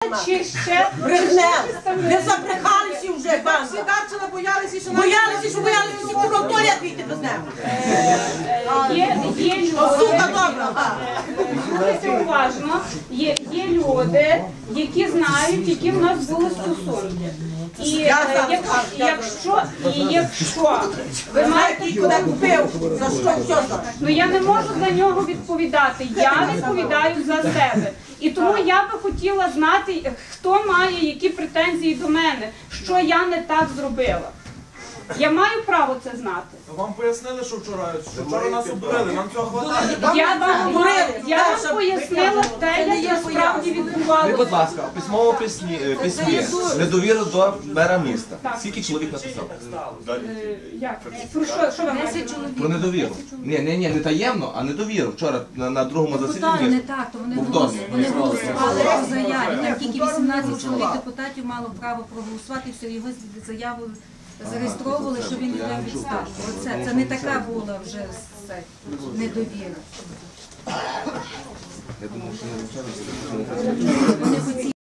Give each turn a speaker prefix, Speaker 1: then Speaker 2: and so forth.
Speaker 1: чи ще
Speaker 2: Ви забрехалися вже, пане.
Speaker 3: Всі Дарчина боялися, що
Speaker 2: Боялися, що кураторія вийти без нього.
Speaker 1: є
Speaker 2: Сука
Speaker 1: люди,
Speaker 2: добра.
Speaker 1: слухайте уважно, є люди, які знають, які в нас були стосунки. І якщо ви маєте,
Speaker 2: Куди купив, за що все за.
Speaker 1: ну я не можу за нього відповідати, я відповідаю за себе. І тому я би хотіла знати, хто має які претензії до мене, що я не так зробила. Я маю право це знати.
Speaker 4: Вам пояснили, що вчора нас обдурили, нам цього хватає.
Speaker 1: Я вам пояснила те, як насправді
Speaker 5: Ви,
Speaker 1: відбувалося.
Speaker 5: будь ласка, у письмовому письмі недовіру до мера міста. Скільки чоловік написав?
Speaker 1: Як? Про що ви маєте?
Speaker 5: Про недовіру. Ні, не таємно, а недовіру. Вчора на другому
Speaker 6: Не
Speaker 5: засіданні.
Speaker 6: так, то вони голосували по заяві. Там тільки 18 чоловік депутатів мало право проголосувати, все, його заяву зареєстровували, що він йде у відставку. Це не така була вже недовіра.
Speaker 5: Я думаю, що не вчора.